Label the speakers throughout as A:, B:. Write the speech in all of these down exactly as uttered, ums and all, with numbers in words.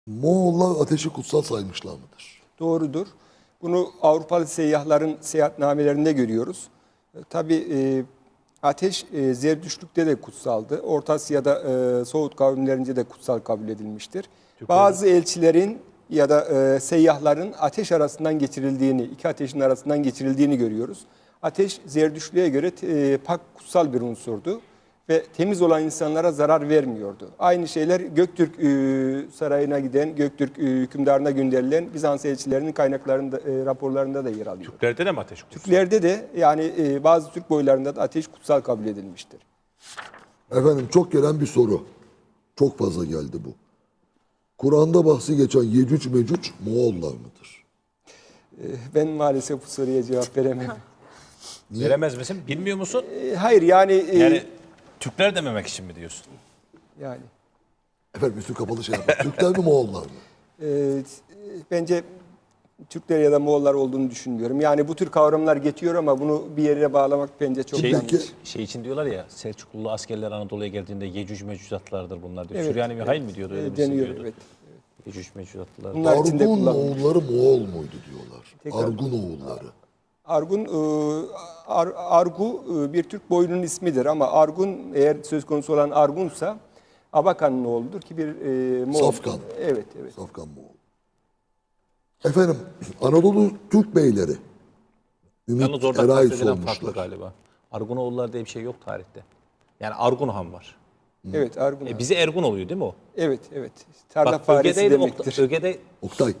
A: Moğollar ateşi kutsal saymışlar mıdır?
B: Doğrudur. Bunu Avrupalı seyyahların seyahatnamelerinde görüyoruz. E, tabii e, ateş e, Zerdüştlük'te de kutsaldı. Orta Asya'da e, Soğut kavimlerince de kutsal kabul edilmiştir. Bazı elçilerin ya da e, seyyahların ateş arasından geçirildiğini, iki ateşin arasından geçirildiğini görüyoruz. Ateş Zerdüştlüğe göre e, pak kutsal bir unsurdu ve temiz olan insanlara zarar vermiyordu. Aynı şeyler Göktürk e, sarayına giden, Göktürk e, hükümdarına gönderilen Bizans elçilerinin kaynaklarında, e, raporlarında da yer alıyor.
C: Türklerde de mi ateş kutsal?
B: Türklerde de yani e, bazı Türk boylarında da ateş kutsal kabul edilmiştir.
A: Efendim çok gelen bir soru. Çok fazla geldi bu. Kur'an'da bahsi geçen Yecüc Mecüc Moğollar mıdır?
B: E, ben maalesef bu soruya cevap veremem.
A: Niye?
C: Veremez misin? Bilmiyor musun?
B: E, hayır yani... E,
C: Yani Türkler dememek için mi diyorsun?
B: yani
A: Efendim üstü kapalı şey yapar. Türkler mi Moğollar mı?
B: e, bence Türkler ya da Moğollar olduğunu düşünmüyorum. Yani bu tür kavramlar geçiyor ama bunu bir yere bağlamak bence çok
C: Şey,
B: yanlış.
C: şey için diyorlar ya, Selçuklu askerler Anadolu'ya geldiğinde Yecüc Mecücatlardır bunlar diyor.
B: Evet,
C: Süryani bir
B: evet,
C: hain mi diyordu? Öyle
B: e,
C: bir şey
B: deniyor,
C: diyordu.
B: evet.
C: Yecüc Mecücatlar.
B: Bunlar içinde
A: Argun
B: kullanılıyor.
A: Moğolları Moğol muydu diyorlar.
B: Tekrar.
A: Argun oğulları.
B: Argun, e, Ar- Argu e, bir Türk boyunun ismidir ama Argun eğer söz konusu olan Argun'sa Abakan'ın oğludur ki bir e, Moğol.
A: Safkan.
B: Evet, evet.
A: Safkan Moğol. Efendim Anadolu Türk beyleri. Ümit
C: Yalnız orada
A: Eray
C: kastedilen farklı
A: sormuşlar.
C: galiba. Argunoğulları diye bir şey yok tarihte. Yani Argun Han var.
B: Evet, Argun.
C: E bize Ergun oluyor değil mi o?
B: Evet, evet. Tarla
C: Bak
B: faresi
C: Öge'deydi,
B: demektir.
C: Okta- Öge'de
A: Oktay.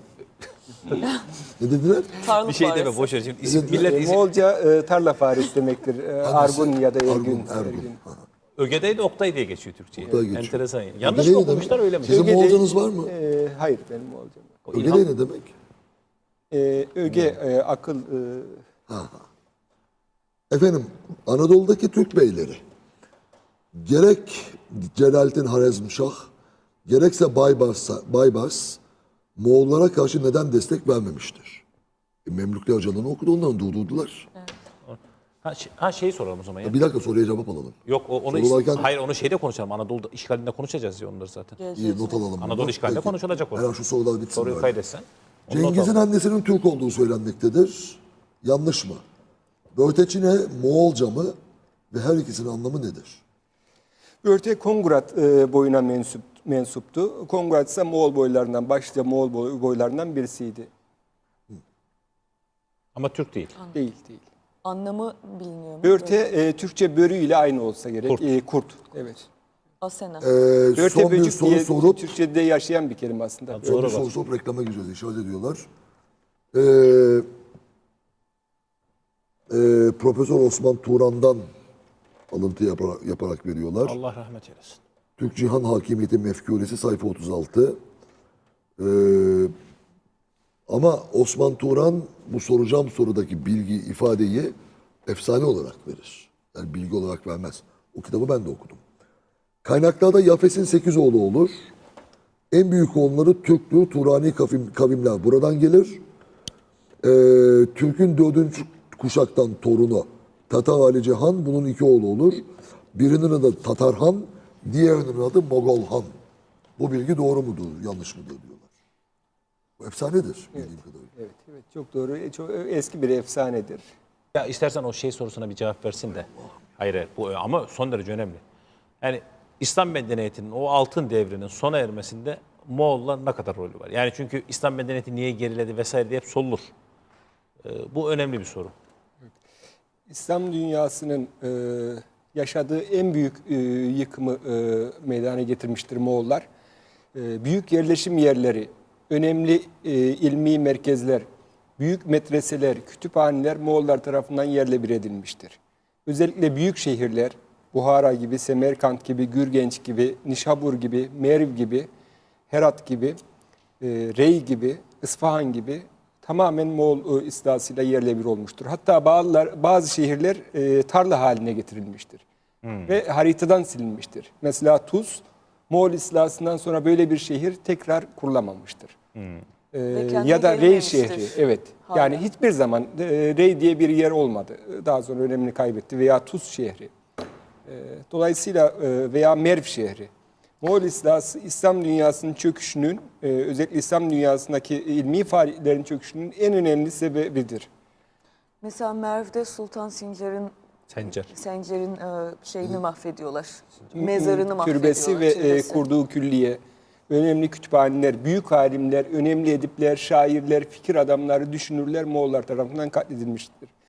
A: Ne dediler?
D: Tarlık
C: bir şey
D: faresi.
C: deme boş ver. Şimdi isim,
A: Bizim-
C: millet
B: E,
C: isim.
B: Moğolca e, tarla faresi demektir. E, Argun ya da Ergün.
A: Argun, Ergun.
B: Ergün.
A: Ha.
C: Öge'deydi Oktay diye geçiyor Türkçe'ye.
A: Oktay geçiyor.
C: Enteresan. Yanlış
A: Öge
C: mı
A: ne
C: okumuşlar
A: demek?
C: öyle mi?
A: Sizin
B: Öge de-
A: Moğolcanız var mı?
B: E, hayır, benim Moğolcam yok.
C: O
A: Öge
C: İlhan-
A: ne demek?
B: E, öge, e, akıl, e,
A: Efendim Anadolu'daki Türk beyleri gerek Celalettin Harezmşah gerekse Baybars, Baybars Moğollara karşı neden destek vermemiştir? E, Memlükler canını okudu onların durdurdular.
C: Ha, şey, ha şeyi soralım o zaman ya.
A: Bir dakika soruya cevap alalım.
C: Yok o, onu
A: Sorularken-
C: hayır onu şeyde konuşalım. Anadolu işgalinde konuşacağız ya onları zaten.
A: İyi not alalım.
C: Anadolu
A: bundan.
C: işgalinde
A: Peki.
C: konuşulacak o.
A: Hemen şu sorular bitsin.
C: Soruyu
A: bari.
C: kaydetsen. onu not
A: Cengiz'in
C: al.
A: annesinin Türk olduğu söylenmektedir. Yanlış mı? Börteçine Moğolca mı ve her ikisinin anlamı nedir?
B: Örte Kongurat e, boyuna mensup, mensuptu. Kongurat ise Moğol boylarından, başlıca Moğol boy- boylarından birisiydi.
C: Ama Türk değil.
B: Değil, değil.
D: Anlamı biliniyor mu?
B: Börte e, Türkçe börü ile aynı olsa gerek.
C: Kurt.
B: E, kurt, evet.
D: Asena.
A: Ee,
B: Börte
A: son bir
B: böcük
A: soru
B: diye
A: sorup
B: Türkçe'de yaşayan bir kelime aslında.
C: Tabii.
A: son bir
C: Soru
A: soru
C: var.
A: sorup reklama gireceğiz. İşaret ediyorlar. Ee, e, Profesör Osman Turan'dan alıntı yaparak, yaparak veriyorlar.
C: Allah rahmet eylesin.
A: Türk Cihan Hakimiyeti Mefkuresi sayfa otuz altı. Ee, ama Osman Turan bu soracağım sorudaki bilgi, ifadeyi efsane olarak verir. Yani bilgi olarak vermez. O kitabı ben de okudum. Kaynaklarda Yafes'in sekiz oğlu olur. En büyük oğulları Türklü, Turani kavim, kavimler buradan gelir. Ee, Türk'ün dördüncü kuşaktan torunu Tatar Ali Cihan bunun iki oğlu olur. Birinin adı Tatar Han, diğerinin adı Mogol Han. Bu bilgi doğru mudur, yanlış mıdır diyorlar. Bu efsanedir bildiğim kadarıyla.
B: Evet, evet. Çok doğru. E, Çok eski bir efsanedir.
C: Ya istersen o şey sorusuna bir cevap versin de. Hayır, hayır bu ama son derece önemli. Yani İslam medeniyetinin o altın devrinin sona ermesinde Moğollar ne kadar rolü var? Yani çünkü İslam medeniyeti niye geriledi vesaire diye hep sorulur. Ee, bu önemli bir soru.
B: İslam dünyasının e, yaşadığı en büyük e, yıkımı e, meydana getirmiştir Moğollar. E, büyük yerleşim yerleri, önemli e, ilmi merkezler, büyük medreseler, kütüphaneler Moğollar tarafından yerle bir edilmiştir. Özellikle büyük şehirler, Buhara gibi, Semerkant gibi, Gürgenç gibi, Nişabur gibi, Merv gibi, Herat gibi, e, Rey gibi, İsfahan gibi tamamen Moğol e, istilasıyla yerle bir olmuştur. Hatta bazılar, bazı şehirler e, tarla haline getirilmiştir. Ve haritadan silinmiştir. Mesela Tuz, Moğol istilasından sonra böyle bir şehir tekrar kurulamamıştır. E,
D: kendine
B: ya da Rey
D: gelmemiştir.
B: şehri, evet.
D: Hala.
B: Yani hiçbir zaman e, Rey diye bir yer olmadı. Daha sonra önemini kaybetti. Veya Tuz şehri. E, dolayısıyla e, veya Merv şehri. Moğol istilası İslam dünyasının çöküşünün, e, özellikle İslam dünyasındaki ilmi faaliyetlerin çöküşünün en önemli sebebidir.
D: Mesela Merv'de Sultan Sincar'ın
C: Sencer.
D: Sencer'in e, şeyini mahvediyorlar. Mezarını mahvediyorlar.
B: Türbesi ve e,
D: türbesi.
B: kurduğu külliye, önemli kütüphaneler, büyük alimler, önemli edipler, şairler, fikir adamları, düşünürler Moğollar tarafından katledilmiştir.